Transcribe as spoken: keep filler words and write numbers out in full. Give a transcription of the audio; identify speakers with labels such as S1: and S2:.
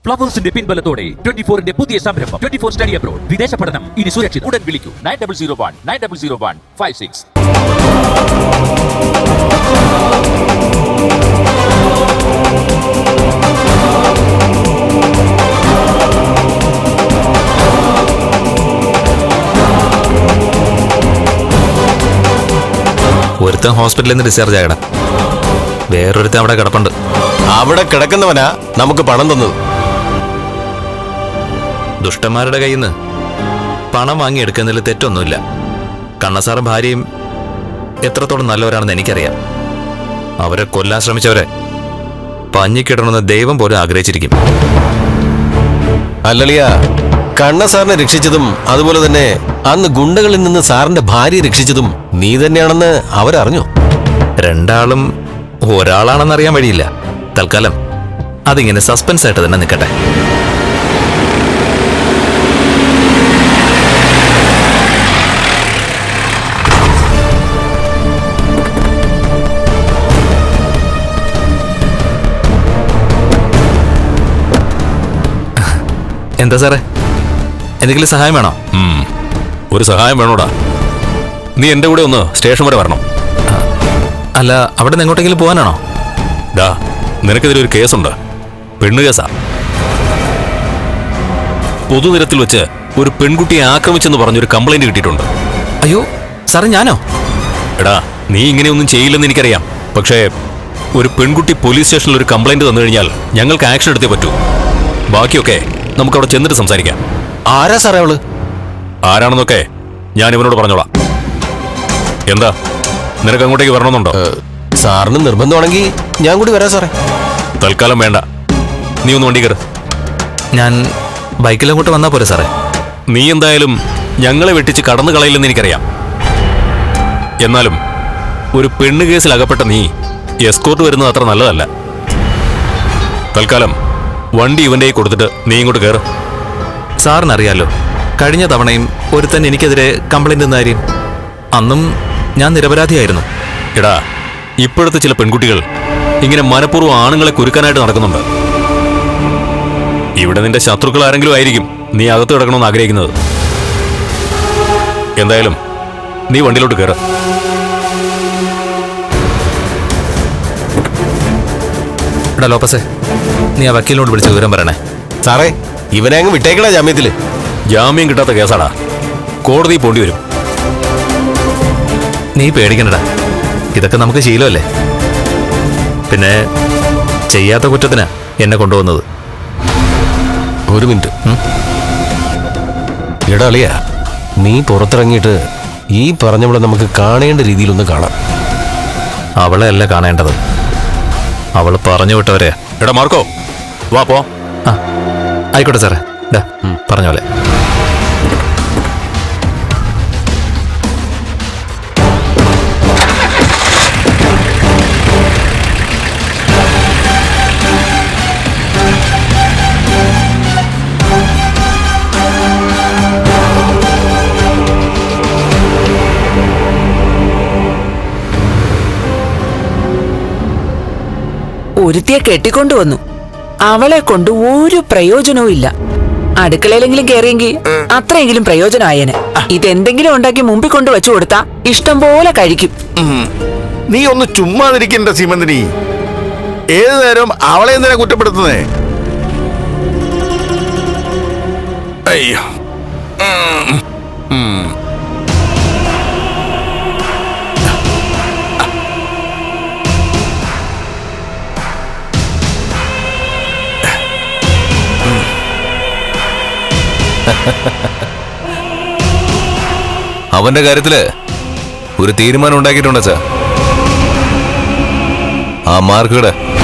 S1: ഫ്ലവേഴ്സിന്റെ പിൻബലത്തോടെ twenty ഫോറിന്റെ പുതിയ സംരംഭം ട്വന്റി ഫോർ സ്റ്റഡി അബ്രോഡ് വിദേശ പഠനം ഇനി സുരക്ഷിത്. ഉടൻ വിളിക്കൂ nine double zero one nine double zero one five six.
S2: ഒരുത്തൻ ഹോസ്പിറ്റലിൽ നിന്ന് ഡിസ്ചാർജ് ആകണം, വേറൊരുത്തൻ അവിടെ കിടപ്പുണ്ട്.
S3: അവിടെ കിടക്കുന്നവനാ നമുക്ക് പണം തന്നത്.
S2: ദുഷ്ടന്മാരുടെ കയ്യിൽ നിന്ന് പണം വാങ്ങിയെടുക്കുന്നതിൽ തെറ്റൊന്നുമില്ല. കണ്ണസാറും ഭാര്യയും എത്രത്തോളം നല്ലവരാണെന്ന് എനിക്കറിയാം. അവരെ കൊല്ലാൻ ശ്രമിച്ചവരെ പഞ്ഞിക്കിടണമെന്ന് ദൈവം പോലും ആഗ്രഹിച്ചിരിക്കും.
S3: അല്ലളിയ, കണ്ണ സാറിനെ രക്ഷിച്ചതും അതുപോലെ തന്നെ അന്ന് ഗുണ്ടകളിൽ നിന്ന് സാറിന്റെ ഭാര്യയെ രക്ഷിച്ചതും നീ തന്നെയാണെന്ന് അവരറിഞ്ഞു.
S2: രണ്ടാളും ഒരാളാണെന്നറിയാൻ വഴിയില്ല. തൽക്കാലം അതിങ്ങനെ സസ്പെൻസ് ആയിട്ട് തന്നെ നിൽക്കട്ടെ. എന്താ സാറേ, എന്തെങ്കിലും സഹായം വേണോ?
S3: ഒരു സഹായം വേണോടാ. നീ എന്റെ കൂടെ ഒന്ന് സ്റ്റേഷൻ വരെ വരണം.
S2: അല്ല, അവിടെ നിന്ന് എങ്ങോട്ടെങ്കിലും പോകാനാണോ?
S3: ഡാ, നിനക്കെതിരെ ഒരു കേസുണ്ട്. പെണ്ണു കേസാ. പൊതുനിരത്തിൽ വെച്ച് ഒരു പെൺകുട്ടിയെ ആക്രമിച്ചെന്ന് പറഞ്ഞൊരു കംപ്ലൈന്റ് കിട്ടിയിട്ടുണ്ട്.
S2: അയ്യോ സാറേ, ഞാനോ?
S3: എടാ, നീ ഇങ്ങനെയൊന്നും ചെയ്യില്ലെന്ന് എനിക്കറിയാം. പക്ഷേ ഒരു പെൺകുട്ടി പോലീസ് സ്റ്റേഷനിൽ ഒരു കംപ്ലൈന്റ് തന്നു കഴിഞ്ഞാൽ ഞങ്ങൾക്ക് ആക്ഷൻ എടുത്തേ പറ്റൂ. ബാക്കിയൊക്കെ നമുക്ക് അവിടെ ചെന്നിട്ട് സംസാരിക്കാം.
S2: ആരാ സാറേ അവള്?
S3: ആരാണെന്നൊക്കെ ഞാൻ ഇവനോട് പറഞ്ഞോളാം. എന്താ, നിനക്ക് അങ്ങോട്ടേക്ക് വരണമെന്നുണ്ടോ?
S4: സാറിന് നിർബന്ധമാണെങ്കിൽ ഞാൻ കൂടി വരാം സാറേ.
S3: തൽക്കാലം വേണ്ട, നീ ഒന്ന് വണ്ടി കയറ്.
S2: ഞാൻ ബൈക്കിൽ അങ്ങോട്ട് വന്നാ പോരെ സാറേ?
S3: നീ എന്തായാലും ഞങ്ങളെ വെട്ടിച്ച് കടന്നു കളയില്ലെന്ന് എനിക്കറിയാം. എന്നാലും ഒരു പെണ്ണ് കേസിൽ അകപ്പെട്ട നീ എസ്കോർട്ട് വരുന്നത് അത്ര നല്ലതല്ല. തൽക്കാലം വണ്ടി ഇവന്റെ കൊടുത്തിട്ട് നീ ഇങ്ങോട്ട് കയറ്.
S2: സാറിനറിയാലോ, കഴിഞ്ഞ തവണയും ഒരുത്തൻ എനിക്കെതിരെ കംപ്ലൈന്റ് തന്ന കാര്യം. അന്നും ഞാൻ നിരപരാധിയായിരുന്നു.
S3: എടാ, ഇപ്പോഴത്തെ ചില പെൺകുട്ടികൾ ഇങ്ങനെ മനഃപൂർവ്വം ആണുങ്ങളെ കുരുക്കാനായിട്ട് നടക്കുന്നുണ്ട്. ഇവിടെ നിന്റെ ശത്രുക്കൾ ആരെങ്കിലും ആയിരിക്കും നീ അകത്ത് കിടക്കണമെന്ന് ആഗ്രഹിക്കുന്നത്. എന്തായാലും നീ വണ്ടിയിലോട്ട് കയറ്.
S2: എടാ ലോപ്പസേ, നീ ആ വക്കീലിനോട് വിളിച്ച് വിവരം പറയണേ.
S4: സാറേ, ഇവനെ അങ്ങ് വിട്ടേക്കടാ ജാമ്യത്തില്.
S3: ജാമ്യം കിട്ടാത്ത കേസാടാ, കോടതി പോണ്ടി വരും.
S2: നീ പേടിക്കണ്ടടാ, ഇതൊക്കെ നമുക്ക് ശീലമല്ലേ. പിന്നെ ചെയ്യാത്ത കുറ്റത്തിനാ എന്നെ കൊണ്ടുവന്നത്.
S4: ഒരു മിനിറ്റ്. എടാ അളിയ, നീ പുറത്തിറങ്ങിയിട്ട് ഈ പറഞ്ഞവിടെ നമുക്ക് കാണേണ്ട രീതിയിലൊന്ന് കാണാം.
S2: അവളെ അല്ല കാണേണ്ടത്, അവൾ പറഞ്ഞു വിട്ടവരെ.
S3: എടാ മാർക്കോ, വാ പോ.
S2: ആ ആയിക്കോട്ടെ സാറേ. ഡാ പറഞ്ഞ പോലെ.
S5: ഒരുത്തിയെ കെട്ടിക്കൊണ്ടുവന്നു. അവളെ കൊണ്ട് ഒരു പ്രയോജനവും ഇല്ല. അടുക്കളയിലെങ്കിലും കയറിയെങ്കിൽ അത്രയെങ്കിലും പ്രയോജനമായേനെ. ഇതെന്തെങ്കിലും ഉണ്ടാക്കി മുമ്പിൽ കൊണ്ട് വെച്ചു കൊടുത്താ ഇഷ്ടം പോലെ കഴിക്കും.
S6: നീ ഒന്ന് ചുമ്മാതിരിക്കണ്ട സീമന്തിനി. ഏതു നേരം അവളെ എന്തിനാ കുറ്റപ്പെടുത്തുന്നേ? അയ്യോ,
S3: അവന്റെ കാര്യത്തില് ഒരു തീരുമാനം ഉണ്ടാക്കിയിട്ടുണ്ട് സാർ. ആ മാർക്കുടെ